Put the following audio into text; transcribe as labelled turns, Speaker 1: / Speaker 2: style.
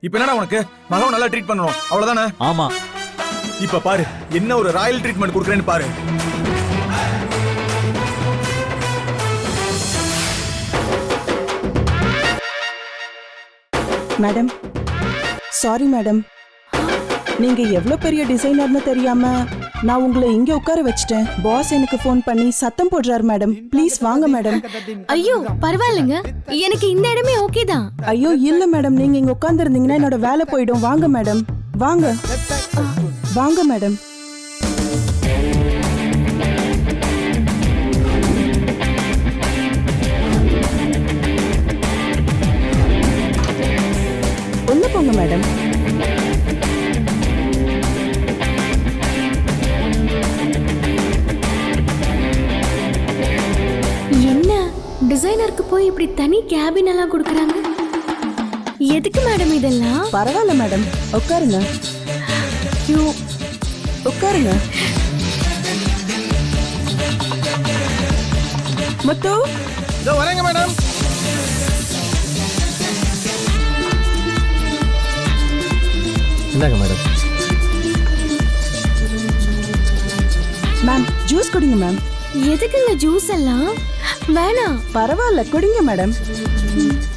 Speaker 1: இப்ப என்னடா உனக்கு மகவை நல்லா ட்ரீட் பண்ணணும் அவ்வளவுதானே?
Speaker 2: ஆமா.
Speaker 1: இப்ப பாரு என்ன ஒரு ராயல் ட்ரீட்மெண்ட் கொடுக்குறேன்னு பாரு.
Speaker 3: மேடம் சாரி மேடம், நீங்க எவ்வளவு பெரிய டிசைனர்னு தெரியாம நான் உங்களை இங்க உட்கார வச்சிட்டேன். பாஸ் எனக்கு ஃபோன் பண்ணி சத்தம் போடுறாரு மேடம். ப்ளீஸ் வாங்க மேடம்.
Speaker 4: ஐயோ பரவாயில்லைங்க, எனக்கு இந்த இடமே ஓகே தான்.
Speaker 3: ஐயோ இல்ல மேடம், நீங்க இங்க உட்கார்ந்து இருந்தீங்கன்னா என்னோட வேலை போயிடும். வாங்க மேடம், வாங்க வாங்க மேடம். உள்ள போங்க மேடம்.
Speaker 4: என்ன டிசைனருக்கு போய் இப்படி தனி கேபின் எல்லாம் கொடுக்கறாங்க? எதுக்கு மேடம் இதெல்லாம்?
Speaker 3: பரவாயில்ல மேடம், உட்காருங்க.
Speaker 4: ஐயோ
Speaker 3: உட்காருங்க. முத்து
Speaker 1: இதோ வரேங்க மேடம்.
Speaker 2: இந்தாங்க மேடம்.
Speaker 3: மேம் ஜூஸ் குடிங்க மேம்.
Speaker 4: எதுக்குங்க ஜூஸ் எல்லாம்? வேணாம்.
Speaker 3: பரவாயில்ல குடிங்க மேடம்.